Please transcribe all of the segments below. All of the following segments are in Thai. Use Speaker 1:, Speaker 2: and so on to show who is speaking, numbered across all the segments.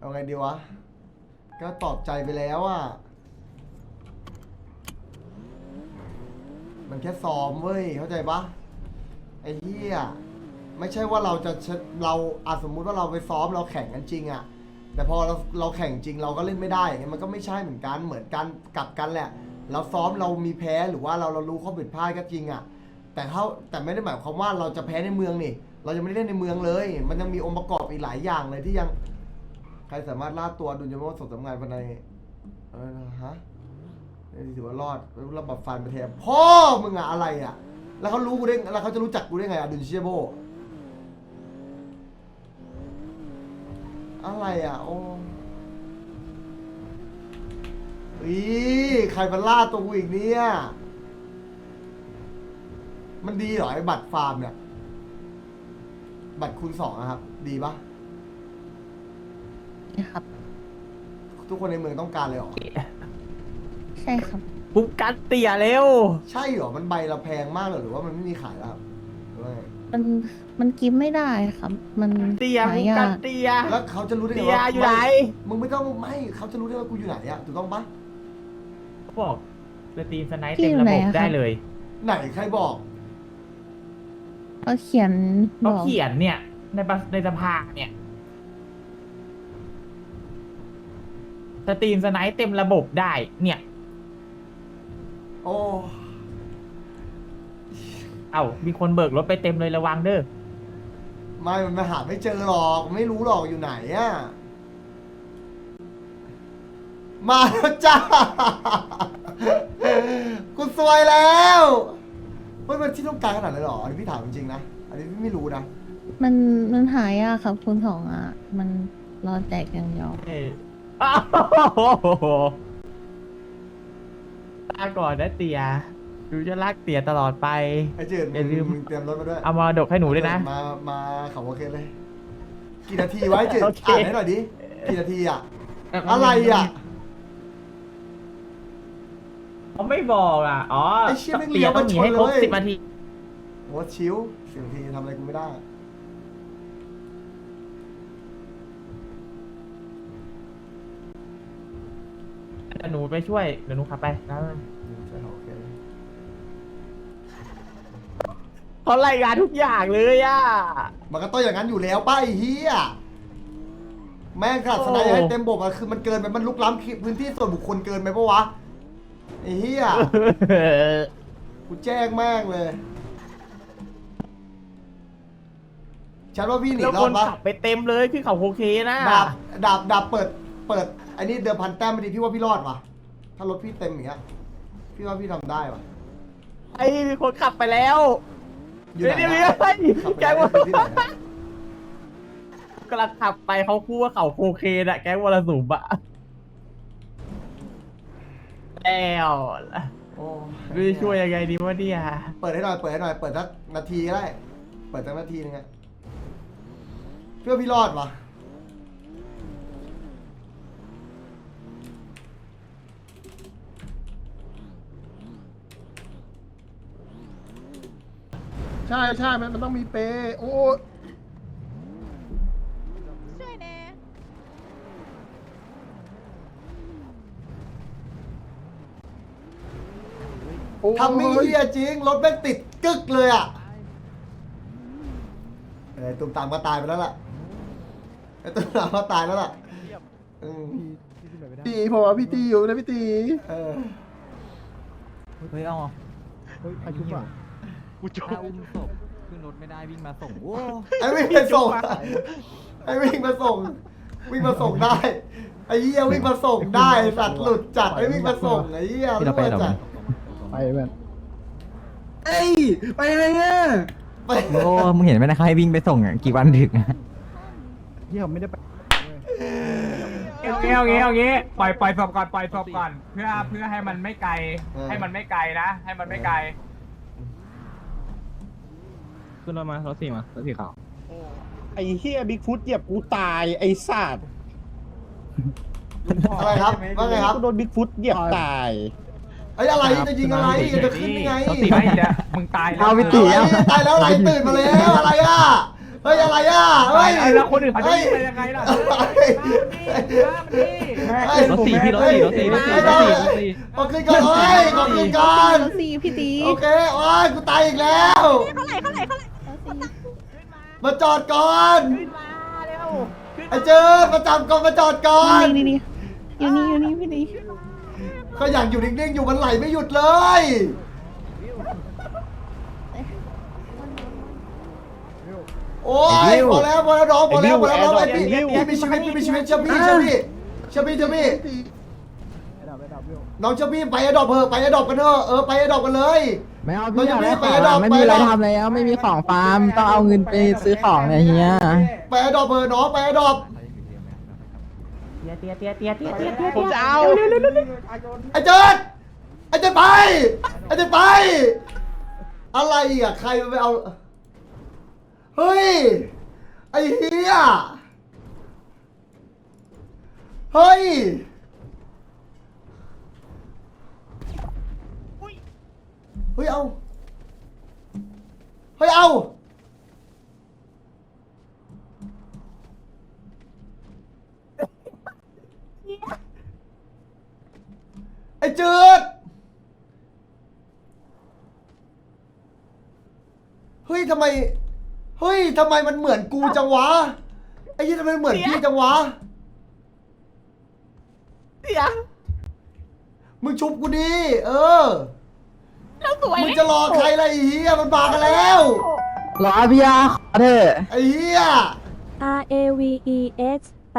Speaker 1: เอาไงดีวะก็ตอบใจไปแล้วอ่ะมันแค่ซ้อมเว้ยเข้าใจปะไอ้เหี้ยไม่ใช่ว่าเราสมมุติว่าเราไปซ้อมเราแข่งกันจริงอ่ะแต่พอเราแข่งจริงเราก็เล่นไม่ได้อย่างเงี้ยมันก็ไม่ใช่เหมือนกันกลับกันแหละเราซ้อมเรามีแพ้หรือว่าเรารู้ข้อผิดพลาดก็จริงอ่ะแต่ไม่ได้หมายความว่าเราจะแพ้ในเมืองนี่เรายังไม่ได้เล่นในเมืองเลยมันยังมีองค์ประกอบอีกหลายอย่างเลยที่ยังใครสามารถล่าตัวดุลยภาพส่งสำงานภายในฮะถือว่ารอดระบบฟันไปแทนพ่อมึงอะอะไรอะแล้วเขารู้กูได้แล้วเขาจะรู้จักกูได้ไงอะดุนเชียโบอะไรอะโอ้อีใครมาล่าตัวกูอีกเนี่ยมันดีเหรอไอ้บัตรฟาร์มเนี่ยบัตรคูณ2อะครับดีปะ
Speaker 2: นะครับ
Speaker 1: ทุกคนในเมืองต้องการเลยเหรอ
Speaker 2: ใช่ครับ
Speaker 3: ปุ๊บกัดเตี่ยเร็ว
Speaker 1: ใช่เหรอมันใบละแพงมากเลยหรือว่ามันไม่มีขายแล้วครับหรือว่าไง
Speaker 2: มันกินไม่ได้ครับ มัน
Speaker 3: เตี่ย
Speaker 2: หา
Speaker 3: ปุ๊บ
Speaker 2: ยา
Speaker 3: กัด
Speaker 2: ก
Speaker 3: เตี่ย
Speaker 1: แล้วเขาจะรู้ได้ไง
Speaker 3: เตี่ย
Speaker 1: ว่า
Speaker 3: อยู่ไหน
Speaker 1: มึงไม่ต้องไม่เขาจะรู้ได้ว่ากูอยู่ไหนอะถูกต้องปะ
Speaker 3: เขาบอกสตรีมสไนป์เต็มระบบได้เลย
Speaker 1: ไหนใครบอก
Speaker 2: เขาเขียนบ
Speaker 3: เขา
Speaker 2: อก
Speaker 3: เขียนเนี่ยในสภาเนี่ยสตรีมสไนป์เต็มระบบได้เนี่ย
Speaker 1: โอ้
Speaker 3: เอ้ามีคนเบิกรถไปเต็มเลยระวังเด้อ
Speaker 1: ไม่มันมาหาไม่เจอหรอกไม่รู้หรอกอยู่ไหนอะมาแล้วจ้ากูซวยแล้วเฮ้ยมันที่ต้องการขนาดนั้นหรออันนี้พี่ถามจริงๆนะอันนี้พี่ไม่รู้นะ
Speaker 2: มันหายากครับคุณสองอ่ะ มันรอแจกอย่างเดียว
Speaker 3: เอ้ยอ้าวลาก่อนนะเตี่ยดูจะลากเตี่ยตลอดไป
Speaker 1: ไอ้เจิด
Speaker 3: อย่าลืม
Speaker 1: มึงเตรียมรถมาด้วย
Speaker 3: เอามาดกให้หนูด้วยนะ
Speaker 1: มาเขาโอเคเลย กี่นาทีไว้เจิด
Speaker 3: โอเค
Speaker 1: อ่านให้หน่อยดิกี่นาทีอะอะไรอะ
Speaker 3: เขาไม่บอกอ่ะ อ๋อ
Speaker 1: ไอ้เชี่ยแม่งเลี้ยว
Speaker 3: ต้องหนีให้ครบ
Speaker 1: มาชนเลย
Speaker 3: 10 นาที
Speaker 1: โอ้ชิว10 นาทีทำอะไรกูไม่ได้
Speaker 3: เดี๋ยวหนูไปช่วย เดี๋ยวหนูขับไปนะ
Speaker 1: ใช่โอเค
Speaker 3: เขารายงานทุกอย่างเลยอ่ะ
Speaker 1: มันก็ต้องอย่างนั้นอยู่แล้วป้าไอ้เฮียแม่งขนาดสไนด์ให้เต็มบบอะคือมันเกินไปมันลุกล้ำพื้นที่ส่วนบุคคลเกินไปปะวะไอ้เฮียกูแจ้งแม่งเลยฉันว่าพี่หนี
Speaker 3: แล้ว
Speaker 1: ร
Speaker 3: ค
Speaker 1: อด
Speaker 3: น
Speaker 1: ปะ
Speaker 3: ขับไปเต็มเลยคือเขาโอเคนะ
Speaker 1: ดาบเปิดไอ้นี่เดิมพันแต้มไม่ดีพี่ว่าพี่รอดวะถ้ารถพี่เต็มอย่างเงี้ยพี่ว่าพี่ทำได้วะ
Speaker 3: ไอ้มีคนขับไปแล้ว
Speaker 1: อยู่ไหน
Speaker 3: เดี๋ยว
Speaker 1: อะ
Speaker 3: เฮ้ย
Speaker 1: ขับไป
Speaker 3: แก
Speaker 1: ไหน
Speaker 3: ว่า
Speaker 1: อะที่ไหนอะ
Speaker 3: กำลังขับไปเขาพูดว่าเขาโอเคนะแก๊งวรสุมอะแล้ว
Speaker 1: โอ้
Speaker 3: ไม่รู้จะช่วยยังไงดีวะเนี่ย
Speaker 1: เปิดให้หน่อยเปิดสักนาทีก็ได้เปิดสักนาทีนึงอะพี่ว่าพี่รอดวะ
Speaker 4: ใช่ใช่มันต้องมีเปย์โอ้
Speaker 5: ช่วยแน่
Speaker 1: ทำไม่เฮียจริงรถแม่งติดกึกเลยอะตุ้มตามก็ตายไปแล้วล่ะไอ้ตุ้มตามก็ตายแล้วล่ะอืม
Speaker 4: ตีผมว่าพี่ตีอยู่นะพี่ตี
Speaker 1: เออ
Speaker 3: เฮ้ยเอา
Speaker 4: เฮ้ยอายุอ่ะ
Speaker 3: ถ้าอุ้มศพขึ้นรถไม่ได้วิ่งมาส่งโอ้
Speaker 1: ไอ้วิ่งไปส่งไอ้วิ่งมาส่งวิ่งมาส่งได้ไอ้เหี้ยวิ่งมาส่งได้สัตว์หลุดจัดไอ้วิ่งมาส่งไอ้เหี้ยรู้ว่าจัด
Speaker 4: ไปแม่น
Speaker 6: เอ้ยไปอะไรเนี่ย
Speaker 1: ไป
Speaker 6: โอ้มึงเห็นไหมนะเขาให้วิ่งไปส่งอ่ะกี่วันถึงอ่ะ
Speaker 4: เยี่ยมไม่ได้ไป
Speaker 7: เอางี้ปล่อยศพก่อนปล่อยศพก่อนเพื่อให้มันไม่ไกล ให้มันไม่ไกลนะ ให้มันไม่ไกล
Speaker 3: ขึ้นรถมารถสี่ขาว
Speaker 4: ไอ้เฮียบิ๊กฟุตเหยียบกูตายไอ้สัตว์
Speaker 1: อะไรครับว่าไงครับ
Speaker 4: กูโดนบิ๊กฟุตเหยียบตาย
Speaker 1: ไอ้อะไรจะยิงอะไรจะขึ้นยังไง
Speaker 7: รถสี่ไม่เดี๋ยวมึงตายแล้ว
Speaker 6: เอาไปตี
Speaker 1: อะไรตายแล้วอะไรตื่นมาแล้วอะไรอ่ะเฮ้ยอะไรอ่ะ
Speaker 7: ไป
Speaker 1: เฮ้ย
Speaker 7: แล้วคนอื่นเขาจะวิ่งไปยังไงล่ะ
Speaker 6: รถสี่พี่รถสี่รถสี่รถสี่รถสี่รถสี่
Speaker 1: ขอขึ้นก่อนเฮ้ยขอขึ้นก่อน
Speaker 2: รถสี่พี่ตี
Speaker 1: โอเคโอ้ยกูตายอีกแล้ว
Speaker 2: รถสี่
Speaker 1: มาจอดก่อนไอ้เจอมาจับก่อนมาจอดก่อน
Speaker 2: นี่อยู่นี่พี่ตี
Speaker 1: ก็อยากอยู่นิ่งๆอยู่มันไหลไม่หยุดเลย โอ้ยพอแล้วน้องพอแล้วไอ้พี่มีชีวิตเชื่อพี่น้องเชื่อพี่ไปอดอปเถอะไปอดอปกันเถอะไปอดอปกันเลย
Speaker 6: ไม่เอาพี่อยากได้ของไม่มีอะไรทำแล้วไม่มีของฟาร์มต้องเอาเงินไปซื้อของเนี่ยเฮีย
Speaker 1: ไปอดอปเถอะน้องไปอดอป
Speaker 4: ผมจะเอา
Speaker 1: ไอ้เจิดไปอะไรอ่ะใครมันไปเอาเฮ้ยไอ้เฮียเฮ้ยเอาไอ้เจิดเฮ้ยทำไมมันเหมือนกูจังวะไอ้ยี่ทำไมเหมือนพี่จังวะมึงชุบกูดิมึงจะรอใครล่ะไอ้เหี้ยมันมากันแล้ว
Speaker 6: รอพี่ยาขอเถอะ
Speaker 1: ไอ้เหี้ย
Speaker 5: RAVEX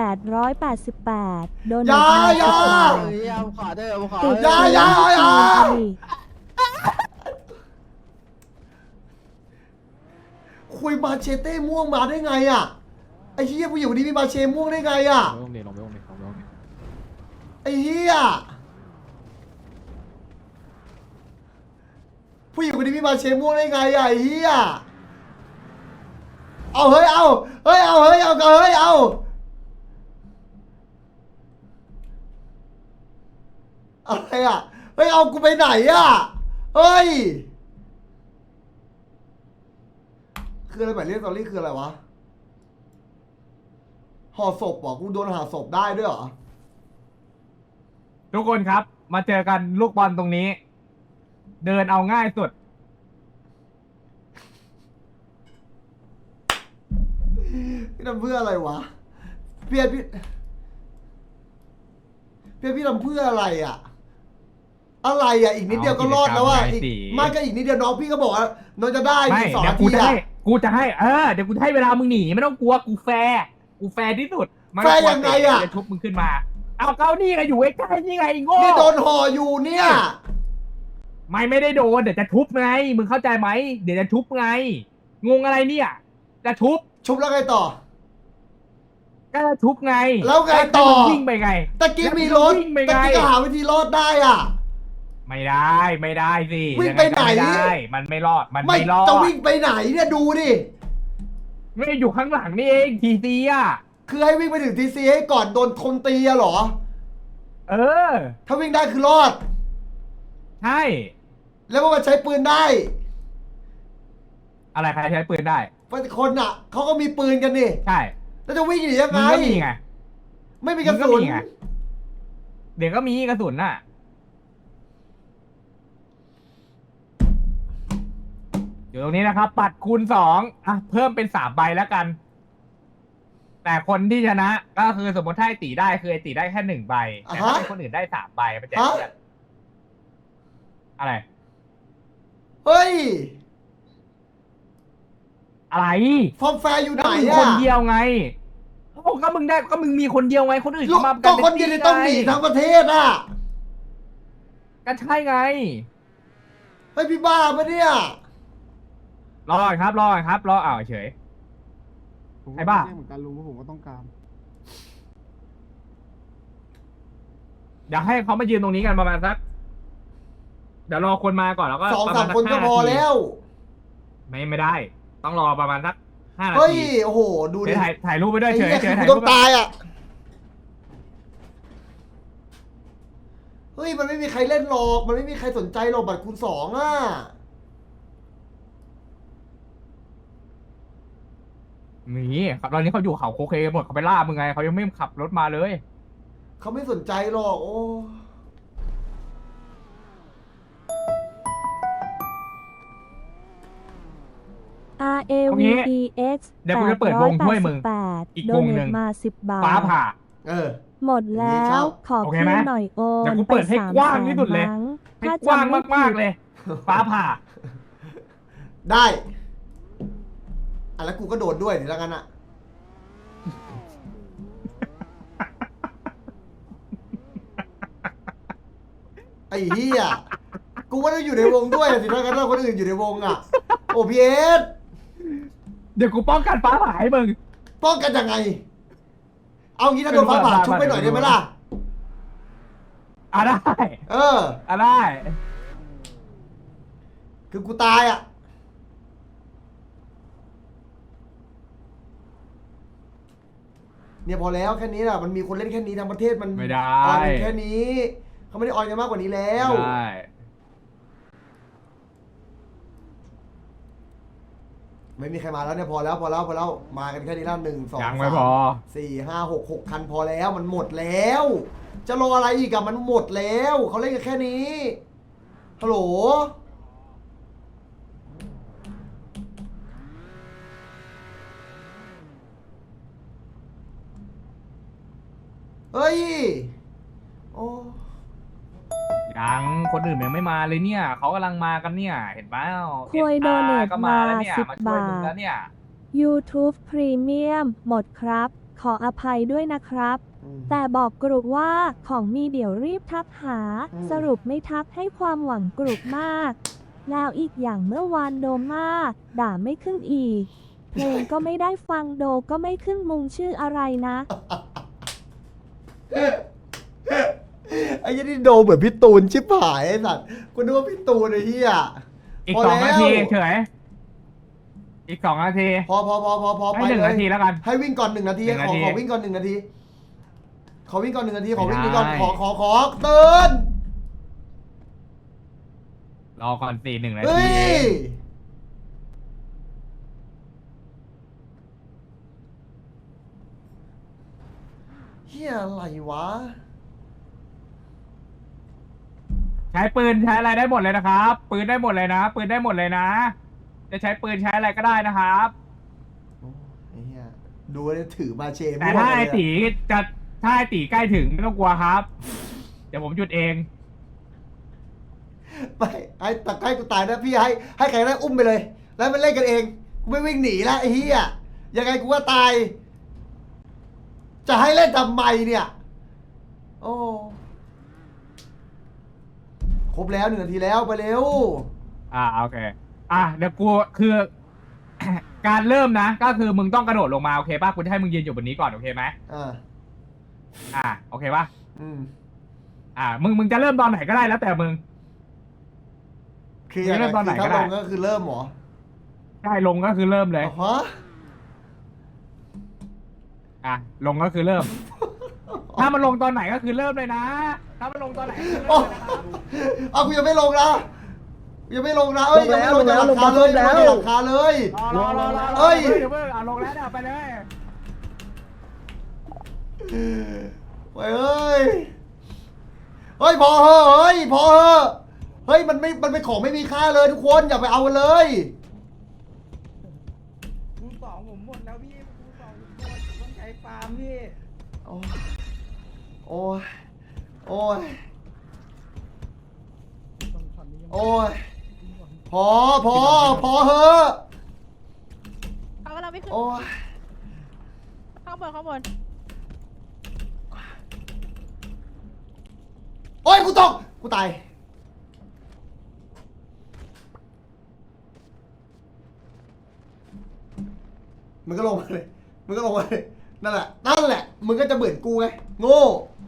Speaker 5: 888 โดน
Speaker 1: อย่า
Speaker 6: ขอเถอะขอ
Speaker 5: ติด
Speaker 1: อย่า คุยมาเชเต้ม่วงมาได้ไงอ่ะไอ้เหี้ยผู้หญิงคนนี้มีมาเชม่วงได้ไงอ่ะไอ้เหี้ยผู้หญิงคนนี้มีมาเชม่วงได้ไงอ่ะไอ้เหี้ยเอาอะไรอ่ะเฮ้ยเอากูไปไหนอ่ะเฮ้ยคืออะไรหมายเรียกตอรี่คืออะไรวะห่อศพเหรอกูโดนห่อศพได้ด้วยเหรอ
Speaker 7: ทุกคนครับ มาเจอกันลูกบอลตรงนี้ เดินเอาง่ายสุด
Speaker 1: พี่ทำเพื่ออะไรวะพี่ทำเพื่ออะไรอ่ะอีกนิดเดียวก็รอดแล้วอ่ะ
Speaker 7: เอากิจกรรมไง
Speaker 1: อีก
Speaker 7: สิ
Speaker 1: มากก็อีกนิดเดียวน้องพี่ก็บอกว่าน้องจะได้
Speaker 7: ไม่
Speaker 1: อีก2
Speaker 7: เดี๋ย
Speaker 1: นาว
Speaker 7: กู
Speaker 1: ที
Speaker 7: จะ
Speaker 1: อ่ะ
Speaker 7: ให้เดี๋ยวกูจะให้เวลามึงหนีไม่ต้องกลัวกูแฟร์ที่สุดม่
Speaker 1: แฟ
Speaker 7: ต้
Speaker 1: ร์
Speaker 7: กลัว
Speaker 1: ยังไงอะ
Speaker 7: จะชุบมึงขึ้นมา เอาเก้านี่ไงอยู่ใกล้ๆนี่ไงไอ้โง่
Speaker 1: นี่โดนห่ออยู่เนี่ย
Speaker 7: ไม่ได้โดนเดี๋ยวจะชุบไงมึงเข้าใจไหมเดี๋ยวจะชุบไงงงอะไรเนี่ยจะชุบ
Speaker 1: ชุบแล้วไงต่อ
Speaker 7: ก็จะชุบไง
Speaker 1: แล้วไงต่อ
Speaker 7: ให้มันวิ่งไปไง
Speaker 1: ตะกี้มีรถ
Speaker 7: วิ่งไป
Speaker 1: ตะ
Speaker 7: ไง
Speaker 1: กี้ก็หาวิธีรอดได้อ่ะ
Speaker 7: ไม่ได้สิ
Speaker 1: วิ่งไปไหน
Speaker 7: ยังงก็ม่ได้มันไม่รอดมัน
Speaker 1: ไม่
Speaker 7: ไม่รอด
Speaker 1: จะวิ่งไปไหนเนี่ยดูดิ
Speaker 7: ไม่ได้อยู่ข้างหลังนี่เองทีซีอ่ะ
Speaker 1: คือให้วิ่งไปถึงทีซีให้ก่อนโดนคนตีอะเหรอ
Speaker 7: เออ
Speaker 1: ถ้าวิ่งได้คือรอด
Speaker 7: ใช่
Speaker 1: แล้วว่ามันใช้ปืนได้
Speaker 7: อะไรใครใช้ปืนได้
Speaker 1: คนอ่ะเขาก็มีปืนกันนี่
Speaker 7: ใช่
Speaker 1: แล้วจะวิ่งหนียัง
Speaker 7: มึ
Speaker 1: ไง
Speaker 7: งก็มีไง
Speaker 1: ไม่มีกระสุน
Speaker 7: มึงก็มีไง เดี๋ยวก็มีกระสุนน่ะ อยู่ตรงนี้นะครับ ปัดคูณ2อ่ะเพิ่มเป็น3 ใบแล้วกัน แต่คนที่ชนะ ก็คือสมมติถ้าไอ้ตีได้คือไอ้ตีได้แค่1 ใบ แต่ถ้าเป็นคนอื่นได้3 ใบมันจะเทียบอะไร
Speaker 1: เฮ้ย
Speaker 7: อะไร
Speaker 1: ฟอร์มแฟร์อยู่ไหน
Speaker 7: ก็มึง
Speaker 1: อ่ะ
Speaker 7: คนเดียวไงโอ้ก็มึงได้ก็มึงมีคนเดียวไงคนอื่น
Speaker 1: ลูก
Speaker 7: เขามา
Speaker 1: ก็
Speaker 7: เป็
Speaker 1: คนเดียวเลยต้องหนี
Speaker 7: ไ
Speaker 1: ทั้งประเทศอ่ะ
Speaker 7: ก็ใช่ไง
Speaker 1: เฮ้ยพี่บ้าปะเนี่ย
Speaker 7: รอก่อนครับรออ้าวเฉย ไอ้บ้า
Speaker 4: เหมือนกันลุงเพราะผมก็ต้องการ
Speaker 7: เดี๋ยวให้เขามายืนตรงนี้กันประมาณสัก เดี๋ยวรอคนมาก่อนแล้วก็
Speaker 1: 2-3 คนก็พอแล้ว
Speaker 7: ไม่ได้ ต้องรอประมาณสัก5 นา
Speaker 1: เฮ้ย
Speaker 7: ที
Speaker 1: โอ้โห ดูดิ
Speaker 7: เดี๋ยวถ่ายรูปไปด้วย
Speaker 1: ไอ้
Speaker 7: เฉย
Speaker 1: เหี้ย
Speaker 7: เฉ
Speaker 1: คื
Speaker 7: ย
Speaker 1: อกู
Speaker 7: ถ่าย
Speaker 1: ต้
Speaker 7: รู
Speaker 1: อง
Speaker 7: ป
Speaker 1: ตายอ่ะ เฮ้ย มันไม่มีใครเล่นหรอก มันไม่มีใครสนใจหรอกบัตรคูณ 2 อ่ะ
Speaker 7: หนีครับตอนนี้เขาอยู่เขาโคเคหมดเขาไปล่ามึงไงเขายังไม่ขับรถมาเลย
Speaker 1: เขาไม่สนใจหรอกโอ้
Speaker 5: R A V E X
Speaker 7: เดี๋ยวกูจะเปิดวงถ้วยมึงอีกวงหนึ่ง
Speaker 5: มา10 บาท
Speaker 7: ฟ้าผ่า
Speaker 1: เออ
Speaker 5: หมดแล้
Speaker 1: ชอ
Speaker 5: ว
Speaker 1: บ
Speaker 5: ขอ
Speaker 7: โอเค
Speaker 5: คื
Speaker 7: ไหม
Speaker 5: นหน่อยโอน
Speaker 7: เดี๋ยวกูเปิดให้กว้างที่สุดเลย
Speaker 5: มั้ง
Speaker 7: ให้
Speaker 5: ถ้าก
Speaker 7: ว้าง
Speaker 5: จำไม่
Speaker 7: มาก
Speaker 5: ผิด
Speaker 7: ๆเลย ฟ้าผ่า
Speaker 1: ได้อ่ะแล้วกูก็โดดด้วยนี่แล้วกันอะไอ้เหี้ยกูว่าต้องอยู่ในวงด้วยสิถ้างั้นถ้าคนอื่นอยู่ในวงอะโอพีเอส
Speaker 7: เดี๋ยวกูป้องกันฟ้าผ่าให้มึง
Speaker 1: ป้องกันยังไง เอางี้ถ้าโดนฟ้าผ่าชุบไปหน่อยได้ไหมล่ะ
Speaker 7: อ่ะได้
Speaker 1: เออ
Speaker 7: อ่ะได้
Speaker 1: คือกูตายอ่ะ เนี่ยพอแล้วแค่นี้แหละมันมีคนเล่นแค่นี้ทั้งประเทศมัน
Speaker 7: ไม่ได้
Speaker 1: ออนกันแค่นี้ เขาไม่ได้ออนกันมากกว่านี้แล้ว
Speaker 7: ได้
Speaker 1: ไม่มีใครมาแล้วเนี่ยพอแล้วมากันแค่นี้แล้ว1 2
Speaker 7: ยังไม่พอ
Speaker 1: 3 4 5 6 6 คันพอแล้วมันหมดแล้ว จะรออะไรอีกอะมันหมดแล้วเขาเล่นกันแค่นี้ฮัลโหลเฮ้ยโอ้
Speaker 7: ยังคนอื่นยังไม่มาเลยเนี่ยเขากำลังมากันเนี่ย เห็นเปล่า
Speaker 5: คุยโดเนท
Speaker 7: ก็
Speaker 5: มา
Speaker 7: แล้วเนี่ย
Speaker 5: 10
Speaker 7: มาช่วย
Speaker 5: บา
Speaker 7: มึง
Speaker 5: ท
Speaker 7: แล้วเนี่ย
Speaker 5: YouTube Premium หมดครับ ขออภัยด้วยนะครับ
Speaker 1: อืม
Speaker 5: แต่บอกกรุว่าของมีเดี๋ยวรีบทักหา
Speaker 1: อืม
Speaker 5: สรุปไม่ทักให้ความหวังกรุมาก แล้วอีกอย่างเมื่อวานโดมาด่าไม่ขึ้นอีก เพลงก็ไม่ได้ฟังโดก็ไม่ขึ้นมุงชื่ออะไรนะ
Speaker 1: ไอ้ยี่นี่โดเหมือนพี่ตูนชิบหายไอ้สัตว์กูนึกว่าพี่ตูนไอ้เหี้ย
Speaker 7: อีก
Speaker 1: พอ
Speaker 7: 2 นาที
Speaker 1: แล้ว
Speaker 7: เฉยอีก2 นาที
Speaker 1: พอไป
Speaker 7: ให้
Speaker 1: เลย
Speaker 7: 1 นาทีแล้วกัน
Speaker 1: ให้วิ่งก่อน1 นาที
Speaker 7: 1 นา
Speaker 1: ขอ
Speaker 7: ที
Speaker 1: วิ่งก่อน1 นาที ขอวิ่งก่อน1 นาทีขอวิ่ง
Speaker 7: ไม่
Speaker 1: ก่อน
Speaker 7: ได้
Speaker 1: ขอเตือน
Speaker 7: รอก่อน4 1 นา
Speaker 1: เฮ้
Speaker 7: ที
Speaker 1: ยเฮียอะไรวะ
Speaker 7: ใช้ปืนใช้อะไรได้หมดเลยนะครับ ปืนได้หมดเลยนะ ปืนได้หมดเลยนะ จะใช้ปืนใช้อะไรก็ได้นะครับ
Speaker 1: โอ้ไอ้เหี้ยดูเลยถือมาเชม
Speaker 7: แต่ถ้าไอตีจะถ้าไอตีใกล้ถึงไม่ต้องกลัวครับ เดี๋ยวผมหยุดเอง
Speaker 1: ไปไอ้ตะไคร้กูตายนะพี่ให้ใครได้อุ้มไปเลย แล้วมันเล่นกันเองกูไม่วิ่งหนีแล้วไอ้เหี้ยยังไงกูก็ตาย จะให้เล่นทำไมเนี่ย โอ้ครบแล้ว1 นาทีแล้วไปเร็ว
Speaker 7: โอเค เดี๋ยวกูคือ การเริ่มนะ ก็คือมึงต้องกระโดดลงมาโอเคป่ะกูจะให้มึงยืนอยู่บนนี้ก่อนโอเคไหม โอเคป่ะ
Speaker 1: อืม
Speaker 7: มึงจะเริ่มตอนไหนก็ได้แล้วแต่มึง
Speaker 1: คือยังไง
Speaker 7: เริ่มตอนไหน
Speaker 1: คือ
Speaker 7: ก็
Speaker 1: ถ้า
Speaker 7: ได้
Speaker 1: ลงก็คือเริ่มเหรอ
Speaker 7: ได้ลงก็คือเริ่มเลย
Speaker 1: ฮะ
Speaker 7: ลงก็คือเริ่ม ถ้ามันลงตอนไหนก็คือเริ่มเลยนะ ถ้ามันลงตอนไหนก็คือ
Speaker 1: โอ้
Speaker 7: เริ่มเลยนะครับ
Speaker 1: เอากูยังไม่ลงนะยังไม่ลงนะเอ้ยยังไม่ลงจากหลังคาเลยยังไม่ลงจากหลังคาเลย
Speaker 7: รอ
Speaker 1: เอ้ย
Speaker 7: เดี๋ยวเพิ่งลงแล้วเดี๋ยวไปเลย
Speaker 1: เฮ้ยเฮ้ยพอเหอะเฮ้ยพอเหอะเฮ้ยมันเป็นของไม่มีค่าเลยทุกคนอย่าไปเอากันเลย
Speaker 6: คูณ 2ผมหมดแล้วพี่คูณ 2ผมหมดต้องใช้ฟาร์มพี่
Speaker 1: โอ้ยโอ้ยโอ้ยโอ้ยพอเหอะ
Speaker 8: เขากำลังไม่ขึ้น
Speaker 1: โอ้ย
Speaker 8: ข้างบนข้างบน
Speaker 1: โอ้ยกูตกกูตายมึงก็ลงมาเลยมึงก็ลงมาเลยนั่นแหละมึงก็จะเหมือนกูไงโง่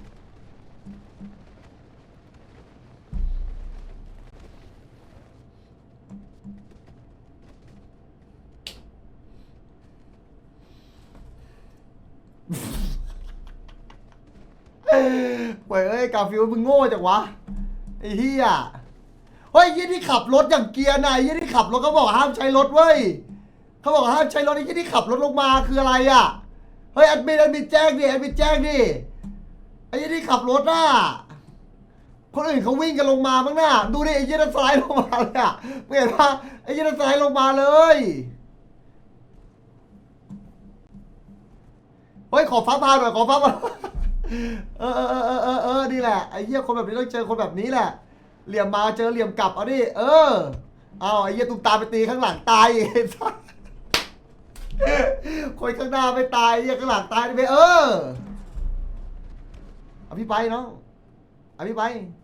Speaker 1: เว้ยเอ้ยกาฟิวมึงโง่จังวะไอ้เหี้ยเฮ้ยยี่ที่ขับรถอย่างเกียร์นายยี่ที่ขับรถเขาบอกห้ามใช้รถเว้ยเขาบอกห้ามใช้รถไอ้ที่ขับรถลงมาคืออะไรอ่ะเฮ้ยแอดมินแจ้งดิแอดมินแจ้งดิไอ้ที่ขับรถน่ะคนอื่นเขาวิ่งกันลงมาบ้างน่ะดูดิไอ้ยี่นั่นสไลด์ลงมาเลยอ่ะไม่เห็นปะไอ้ยี่นั่นสไลด์ลงมาเลยเฮ้ยขอฟ้าผ่าหน่อยขอฟ้าผ่านี่แหละไอ้เหี้ยคนแบบนี้ต้องเจอคนแบบนี้แหละเหลี่ยมมาเจอเหลี่ยมกลับเอาดิเอาไอ้เหี้ยตุ้มตามไปตีข้างหลังตายไอ้สัสคนข้างหน้าไม่ตายไอ้เหี้ยข้างหลังตายไปเอาพี่ไปน้องเอาพี่ไป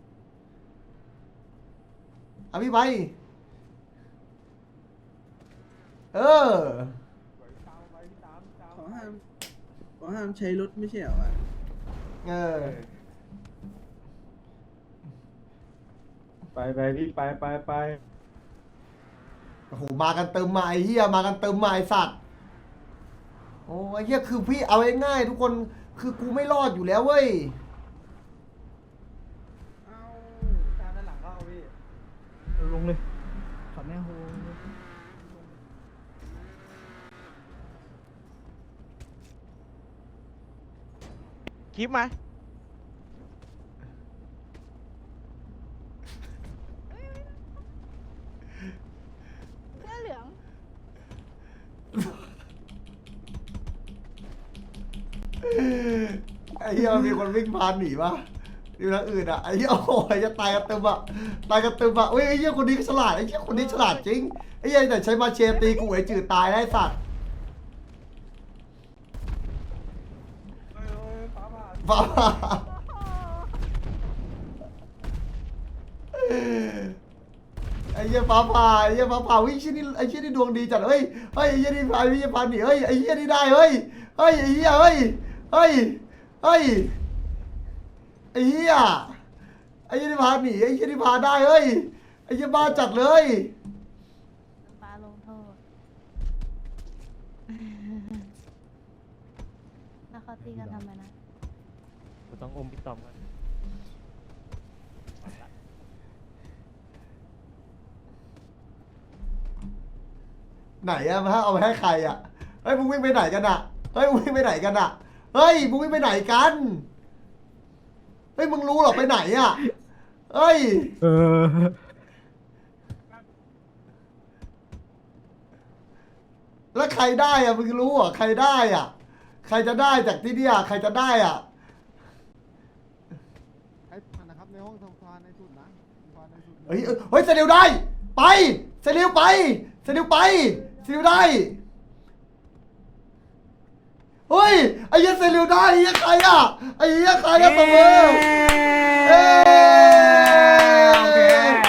Speaker 1: เอาพี่ไป
Speaker 9: เขาห้ามใช้รถไม่ใช่เหรอวะ
Speaker 4: ไปพี่ไป
Speaker 1: โอ้โหมากันเติมมาไอ้เหี้ยมากันเติมมาไอ้สัตว์โอ้ไอ้เหี้ยคือพี่เอาง่ายๆทุกคนคือกูไม่รอดอยู่แล้วเว้ย
Speaker 3: ลงเลย
Speaker 10: คลิปมา
Speaker 8: เสื้อเหลือง
Speaker 1: ไอ้เหี้ยมันมีคนวิ่งผ่านหนีปะอยู่ทางอื่นอ่ะไอ้เหี้ยโอ้ยจะตายกันเต็มอ่ะตายกันเต็มอ่ะเฮ้ยไอ้เหี้ยคนนี้ก็ฉลาดไอ้เหี้ยคนนี้ฉลาดจริงไอ้เหี้ยแต่ใช้มาเชตีกูไอ้จืดตายได้สัตว์ฟ้าผ่าไอ้เหี้ยฟ้าผ่าไอ้เหี้ยฟ้าผ่าวิ่งชิ้นนี้ไอ้ชิ้นนี้ดวงดีจัดเฮ้ยไอ้เหี้ยนี่พายวิ่งผ่านหนีเฮ้ยไอ้เหี้ยนี่ได้เฮ้ยไอ้เหี้ยเฮ้ยไอ้เหี้ยไอ้เหี้ยนี่พาหนีไอ้เหี้ยนี่พาได้เฮ้ยไอ้เหี้ยบ้าจัดเลย
Speaker 2: ป้าลงโทษแล้วเขาตีกันทำไมนะ
Speaker 3: ต้องอมพี่ตอมกัน
Speaker 1: ไหนอะมาเอาไปให้ใครอะเฮ้ยมึงวิ่งไปไหนกันอะเฮ้ยมึงวิ่งไปไหนกันอะเฮ้ยมึงวิ่งไปไหนกันเฮ้ยมึงรู้เหรอไปไหนอะเฮ้ยแล้วใครได้อะมึงรู้เหรอใครได้อะใครจะได้จากที่เนี่ยใครจะได้อะ
Speaker 4: นะครับในห้องทำความในสุดนะ
Speaker 1: เฮ้ยเซลิวได้ไปเซลิวไปเซลิวไปเซลิวได้เฮ้ยไอ้เหี้ยเซลิวได้ไอ้เหี้ยใครอะไอ้เหี้ยใครอะตบมือเอ้ย
Speaker 7: โอเค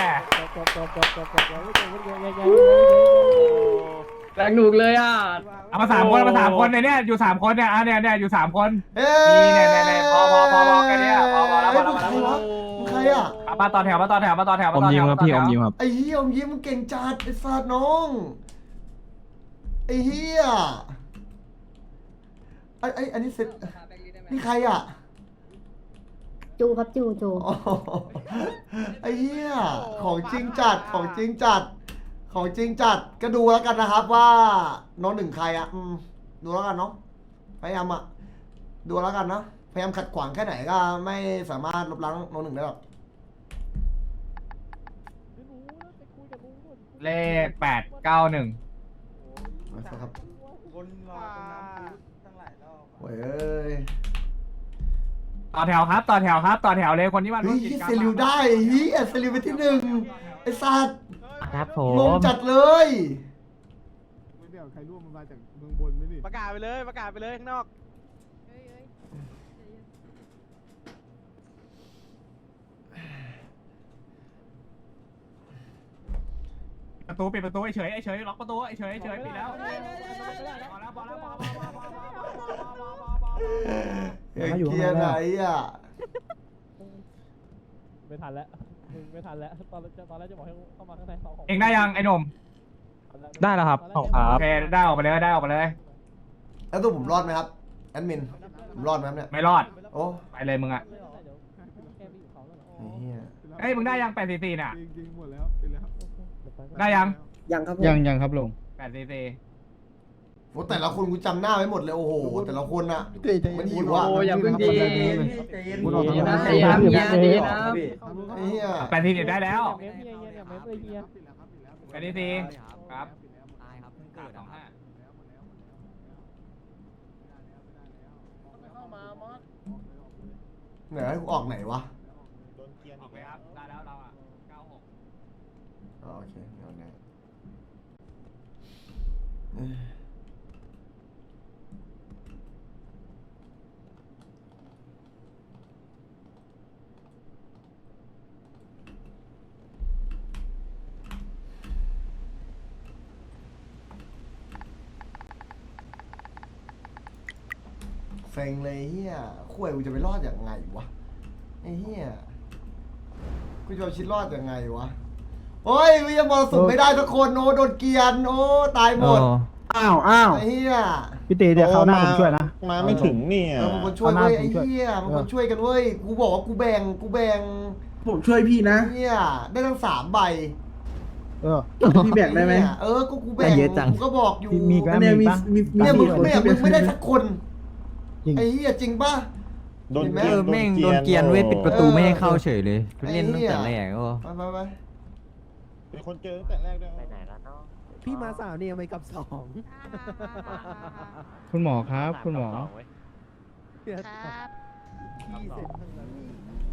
Speaker 3: แรงหนุกเลยอ่ะ
Speaker 7: เอามา3 คนเนี่ยอยู่3 คนเนี่ยเนี่ยอยู่3 คน
Speaker 1: เอ้
Speaker 7: นี่พอแค่เนี้ยพอแล้ว
Speaker 1: มึงใครวะมึงใครอะ
Speaker 7: มาต่อแถว
Speaker 6: อมยิ้มครับพี่อมยิ้มครับ
Speaker 1: ไอ้เหี้ยอมยิ้มมึงเก่งจัดไอ้สัตว์น้องไอ้เหี้ยอันนี้เสร็จนี่ใครอะ
Speaker 2: จูครับจู
Speaker 1: อ๋อไอ้เหี้ยของจริงจัดของจริงจัดของจริงจัดก็ดูแล้วกันนะครับว่าน้องหนึ่งใครอะดูแล้วกันเนาะพยายามอะดูแล้วกันนะพยายามขัดขวางแค่ไหนก็ไม่สามารถลบล้างน้องหนึ่งได้หรอก
Speaker 7: เลข891
Speaker 1: นะครับ
Speaker 9: วนรอตรงน้ำพุตั้งหลายรอบ
Speaker 1: โอ้ยเอ้ย
Speaker 7: ต่อแถวเลยคนที่มาร่
Speaker 1: เฮ้
Speaker 7: วย มกิจกรรม
Speaker 1: เซลิวได้เฮียเซลิวไปที่หนึ่งไอ้สัตว์
Speaker 3: ครับผ
Speaker 1: งง
Speaker 3: ม
Speaker 1: จัดเลย
Speaker 4: ไม่ได้เอาใครร่วมมันมาจากเมืองบนไหมนี่
Speaker 10: ประกาศไปเลยข้างนอก
Speaker 8: เอ้ย
Speaker 7: ปิดประตูเฉยล็อกประตูเฉยปิดแล้วพอแล้ว
Speaker 1: เฮ้ยเกียร์ไหนอ่ะ
Speaker 3: ไม่ทันแล้วตอนแรกจะบอกให้เข้ามาข้างในสองของ
Speaker 7: เองได้ยังไอ้หนุ่ม
Speaker 6: ได้แล้วครับขอบคุณค
Speaker 7: โอ
Speaker 6: รับ
Speaker 7: เคได้ออกไปเลย
Speaker 1: แล้วตัวผมรอดไหมครับแอดมินผมรอดไหมครับเนี่ย
Speaker 7: ไม่รอด
Speaker 1: โอ้
Speaker 7: ไปเลยมึงอ่ะ
Speaker 1: ไอ้เฮีย
Speaker 7: เอ้ยมึงได้ยัง844น่ะ
Speaker 4: จริงๆหมดแล้วเป็นแล้ว
Speaker 7: ได้ยัง
Speaker 9: ยังครับผม
Speaker 6: ยังครับลุง
Speaker 7: 844
Speaker 1: โอ้แต่ละคนกูจำหน้าไว้หมดเลยโอ้โหแต่ละคนอะมันหิวอะ
Speaker 3: โอ้อย่าเพิ่งดี
Speaker 4: พูดออก
Speaker 3: ใจ
Speaker 4: ทาง
Speaker 3: เย็น
Speaker 4: นั้น
Speaker 3: นะใจเย็นนะ
Speaker 1: ไอ้เหี้ย
Speaker 7: 80ได้แล้ว84ครับ25
Speaker 1: ไหนให้กูออกไหนวะ
Speaker 4: โดนเกียร์
Speaker 7: อ
Speaker 4: อี
Speaker 7: อก
Speaker 4: ก
Speaker 7: ไป
Speaker 4: แล้ว
Speaker 7: ครับได้แล้วเราอ่ะ96
Speaker 1: อ๋อโอเคเอาไหนเซ็งเลยเฮียข่วยกูจะไปรอดอย่างไงวะไอ้เฮียกูจะเอาชีวิตรอดยังไงวะโอ้ยวิยามอสุดไม่ได้สักคนโอ้โดนเกรียนโอ้ตายหมด
Speaker 4: อ้าว
Speaker 1: ไอ้เฮีย
Speaker 4: พี่ตีเดี๋ยวเขาหน้าผมช่วยนะมาไม่ถึงเนี่ย
Speaker 1: มันคนช่วยเว้ยไอ้เฮียมันคนช่วยกันเว้ยกูบอกว่ากูแบ่ง
Speaker 9: ผมช่วยพี่นะ
Speaker 1: เฮียได้ทั้ง3 ใบ
Speaker 9: พี่แบ่งได้ไหม
Speaker 1: เออกูแบ่งกูก็บอกอยู่
Speaker 4: มีกัน
Speaker 9: เนี่ยมีมี
Speaker 1: เนี่ยมึง
Speaker 9: คน
Speaker 1: เนี่ย
Speaker 9: ที่
Speaker 1: มึงไม่ได้สักคน
Speaker 4: จริง
Speaker 1: ไอ้เฮียจริงป่ะ
Speaker 4: โดน
Speaker 1: เห็นไหม
Speaker 4: เกียร์
Speaker 6: แม่งโดนเกียร์เว้ยปิดประตูไม่ให้เข้าเฉยเลย
Speaker 1: ไอ้
Speaker 6: เล่นตั้งแต่
Speaker 1: เหี้
Speaker 6: แร
Speaker 1: ย
Speaker 6: กโอ้
Speaker 1: ไป
Speaker 4: เป็นคนเจอตั้งแต่แรกด้วย
Speaker 6: พี่มาสาวเนี่ยไปกับสอง
Speaker 4: คุณหมอครับ คุณหมอ
Speaker 8: ครับ
Speaker 6: พี่เสร็จทั้งนั้น